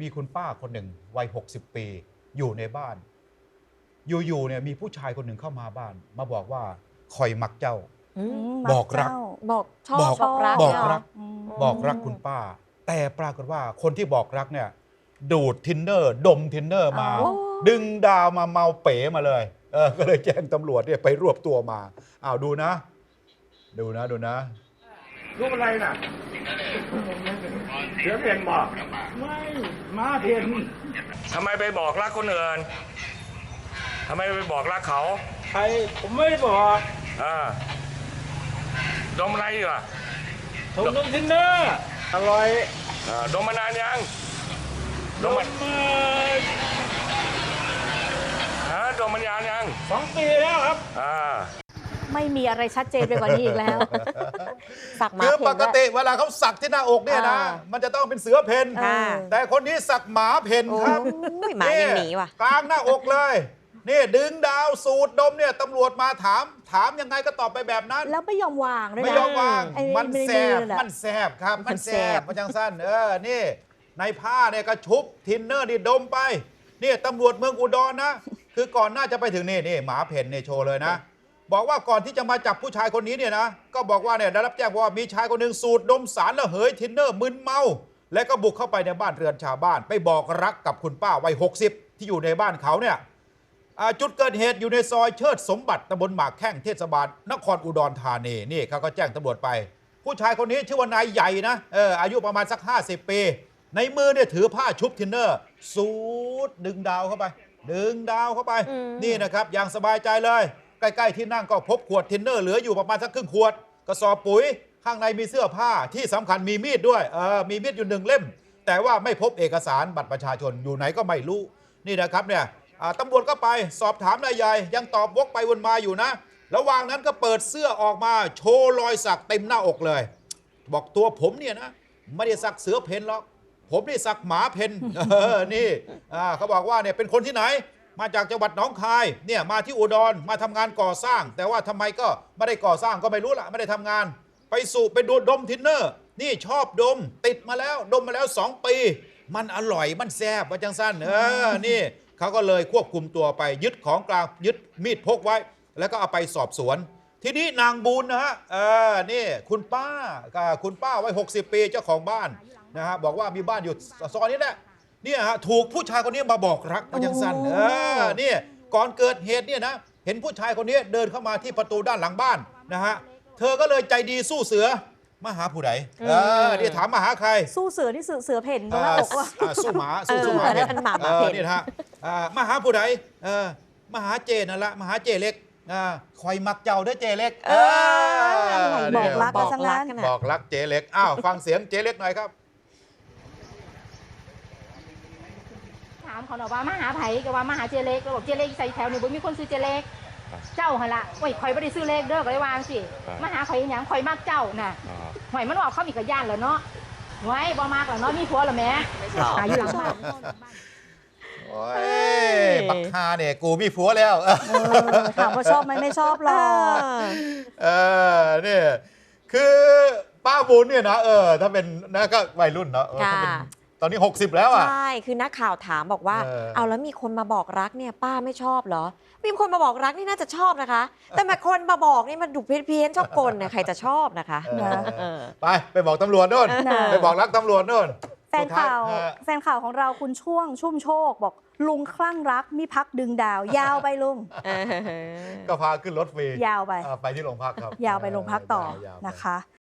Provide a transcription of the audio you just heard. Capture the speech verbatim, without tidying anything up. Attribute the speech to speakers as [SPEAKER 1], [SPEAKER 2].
[SPEAKER 1] มีคุณป้าคนหนึ่งวัยหกสิบปีอยู่ในบ้านอยู่ๆเนี่ยมีผู้ชายคนหนึ่งเข้ามาบ้านมาบอกว่าคอยมักเจ้า
[SPEAKER 2] อืม
[SPEAKER 1] บอกรัก
[SPEAKER 2] บอกชอบ
[SPEAKER 1] บอก
[SPEAKER 2] บอกรัก
[SPEAKER 1] บอก
[SPEAKER 2] เนี่ยเห
[SPEAKER 1] รัก
[SPEAKER 2] อืม
[SPEAKER 1] บอกรักคุณป้า แต่ปรากฏว่าคนที่บอกรักเนี่ยดูดทินเนอร์ดมทินเนอร์มา
[SPEAKER 2] อ๋อ
[SPEAKER 1] ดึงดาวมาเมาเป๋มาเลยเออก็เลยแจ้งตำรวจเนี่ยไปรวบตัวมาอ้าวดูนะ ดูนะดูนะ
[SPEAKER 3] รูปอะไรน่ะเสือเพ่นบอกไม่ม้าเพ่น
[SPEAKER 4] ทำไมไปบอกรักคนอื่นทำไมไปบอกรักเขา
[SPEAKER 3] ใครผมไม่ได้บอก
[SPEAKER 4] อ่าดมอะไรอยู่อ่ะ
[SPEAKER 3] ผมดมทินเนอร์อร่อย
[SPEAKER 4] อ่าดมมานานยัง
[SPEAKER 3] ด
[SPEAKER 4] ดม
[SPEAKER 3] ม
[SPEAKER 4] มัน
[SPEAKER 3] มา
[SPEAKER 4] ฮะดมมันยานยัง
[SPEAKER 3] สองปีแล้วครับ
[SPEAKER 4] อ่า
[SPEAKER 2] ไม่มีอะไรชัดเจนไปกว่านี้อีกแล้ว สักหมา
[SPEAKER 1] คือ
[SPEAKER 2] เพ่น
[SPEAKER 1] ปกติเวลาเขาสักที่หน้าอกเนี่ยนะ
[SPEAKER 2] อ่า
[SPEAKER 1] มันจะต้องเป็นเสือเพน
[SPEAKER 2] อ่า
[SPEAKER 1] แต่คนนี้สักหมาเพนครับ
[SPEAKER 5] โอ้ยหมายังหนีว่ะ
[SPEAKER 1] กลางหน้าอกเลย นี่ดึงดาวสูดดมเนี่ยตำรวจมาถาม ถามยังไงก็ตอบไปแบบนั้น
[SPEAKER 2] แล้วไม่ยอมวางด้วยนะ
[SPEAKER 1] ไม่ยอมวาง
[SPEAKER 2] ไอ้
[SPEAKER 1] มันแสบ
[SPEAKER 2] ในอน่ะ
[SPEAKER 1] มันแสบครับ มันแส
[SPEAKER 5] มันแส
[SPEAKER 1] บบ มันจังสั้น เออ นี่ ในผ้าเนี่ยก็ชุบทินเนอร์นี่ดมไป นี่ตำรวจเมืองอุดรนะ คือก่อนหน้าจะไปถึงนี่นี่หมาเพ่นเนี่ยโชว์เลยนะ บอกว่าก่อนที่จะมาจับผู้ชายคนนี้เนี่ยนะ ก็บอกว่าเนี่ยได้รับแจ้งว่ามีชายคนหนึ่งสูดดมสารระเหยทินเนอร์มึนเมา และก็บุกเข้าไปในบ้านเรือนชาวบ้าน ไปบอกรักกับคุณป้าวัยหกสิบที่อยู่ในบ้านเขาเนี่ยอ่าจุดเกิดเหตุอยู่ในซอยเชิดสมบัติตำบลหมากแข้งเทศบาลนครอุดรธานีนี่เขาก็แจ้งตำรวจไป ผู้ชายคนนี้ชื่อว่านายใหญ่นะเอออายุประมาณสักห้าสิบปี ในมือเนี่ยถือผ้าชุบทินเนอร์ สูดดึงดาวเข้าไป ดึงดาวเข้าไป
[SPEAKER 5] อืม
[SPEAKER 1] นี่นะครับอย่างสบายใจเลย ใกล้ๆที่นั่งก็พบขวดทินเนอร์เหลืออยู่ประมาณสักครึ่งขวดกระสอบปุ๋ยข้างในมีเสื้อผ้าที่สำคัญมีมีดด้วยเออมีมีดอยู่หนึ่งเล่ม แต่ว่าไม่พบเอกสารบัตรประชาชนอยู่ไหนก็ไม่รู้นี่นะครับเนี่ยอ่าตำรวจก็ไปสอบถามนายใหญ่ยังตอบวกไปวนมาอยู่นะ ระหว่างนั้นก็เปิดเสื้อออกมาโชว์รอยสักเต็มหน้าอกเลย บอกตัวผมเนี่ยนะไม่ได้สักเสือเพนหรอกผมนี่สักหมาเพน เออนี่อ่าเขาบอกว่าเนี่ยเป็นคนที่ไหน มาจากจังหวัดหนองคายเนี่ยมาที่อุดรมาทำงานก่อสร้าง แต่ว่าทำไมก็ไม่ได้ก่อสร้างก็ไม่รู้ละไม่ได้ทำงาน ไปสู่ไปดูดดมทินเนอร์ นี่ชอบดม ติดมาแล้วดมมาแล้วสองปี มันอร่อยมันแซ่บว่าจังสั้นเออนี่เขาก็เลยควบคุมตัวไปยึดของกลางยึดมีดพกไว้ แล้วก็เอาไปสอบสวน ทีนี้นางบุญนะฮะเออนี่คุณป้ากับคุณป้าวัยหกสิบปีเจ้าของบ้านนะฮะบอกว่ามีบ้านอยู่ซอยนี้แหละเนี่ยฮะถูกผู้ชายคนนี้มาบอกรักมาจังสั้นเออเนี่ยก่อนเกิดเหตุเนี่ยนะเห็นผู้ชายคนนี้เดินเข้ามาที่ประตูด้านหลังบ้านนะฮะเธอก็เลยใจดีสู้เสือมาหาผู้ใดเออนี่ถามมาหาใคร
[SPEAKER 2] สู้เสือที่เสือเสือเพ่นตรงหน้าอกว่ะ
[SPEAKER 1] อ่าสู้หมาสู้สู้หมา
[SPEAKER 5] เออนั่นมันหมาหมาเพ่น
[SPEAKER 1] ออนี่นะฮะอ่ามาหาผู้ใดเออมาหาเจนั่นละมาหาเจเล็กอ่าคอยมักเจ้าเด้อเจเล็ก
[SPEAKER 5] เออ
[SPEAKER 2] บอกรัก
[SPEAKER 5] บ
[SPEAKER 2] กั
[SPEAKER 5] อน ก
[SPEAKER 2] ซะ
[SPEAKER 5] รั
[SPEAKER 2] งั้
[SPEAKER 5] ก
[SPEAKER 2] น
[SPEAKER 5] กัน
[SPEAKER 1] บ
[SPEAKER 5] นะ
[SPEAKER 1] อกรักเจเล็กอ้าวฟังเสียงเจเล็กหน่อยครับ
[SPEAKER 6] ถามเขาหน่อยว่ามาหาไผก็ว่ามาหาเจเล็กเราบอกเจเล็กใส่แถวนี่บ่มีคนซื้อเจเล็กเจ้าหั่นล่ะโอ้ยข่อยบ่ได้ซื้อเลขเด้อก็เลยวาจังสิมาหาข่อยอีหยังข่อยมักเจ้าน่ะหอยมันออกเข้ามีกระย่านแล้วเนาะไว้บ่มากแล้วเนาะมีผัวแล้วแหม่หาอยู่หลังบ้าน
[SPEAKER 1] โอ้ยบักฮาเนี่ยกูมีผัวแล้ว
[SPEAKER 2] เออถามว่าชอบไหมไม่ชอบหรอก
[SPEAKER 1] เออเนี่ยคือป้าบุญเนี่ยนะเออถ้าเป็นนะก็วัยรุ่นเนาะเออถ้าเป็น
[SPEAKER 5] ค่ะ
[SPEAKER 1] ตอนนี้หกสิบแล้วอ่ะ
[SPEAKER 5] ใช่ คือนักข่าวถามบอกว่า
[SPEAKER 1] เออ
[SPEAKER 5] เอาแล้วมีคนมาบอกรักเนี่ยป้าไม่ชอบเหรอ มีคนมาบอกรักนี่น่าจะชอบนะคะ แต่มาคนมาบอกนี่มันดูเพี้ยนๆชอบกลเนี่ยใครจะชอบนะคะ
[SPEAKER 1] เออ
[SPEAKER 5] เออ
[SPEAKER 1] ไปไปบอกตำรวจโน่น
[SPEAKER 2] นะ
[SPEAKER 1] ไปบอกรักตำรวจโน่น
[SPEAKER 2] แฟนข่าว
[SPEAKER 1] สุดท้ยฮะ
[SPEAKER 2] แฟนข่าวของเราคุณช่วงชุ่มโชคบอกลุงคลั่งรักมีพักดึงดาว ยาวไปลุง
[SPEAKER 1] ก็พาขึ้นรถฟรี
[SPEAKER 2] ยาวไป
[SPEAKER 1] อ่าไปที่โรงพักครับ
[SPEAKER 2] ยาวไปโรงพักต่อ
[SPEAKER 1] าวๆไป
[SPEAKER 2] นะคะ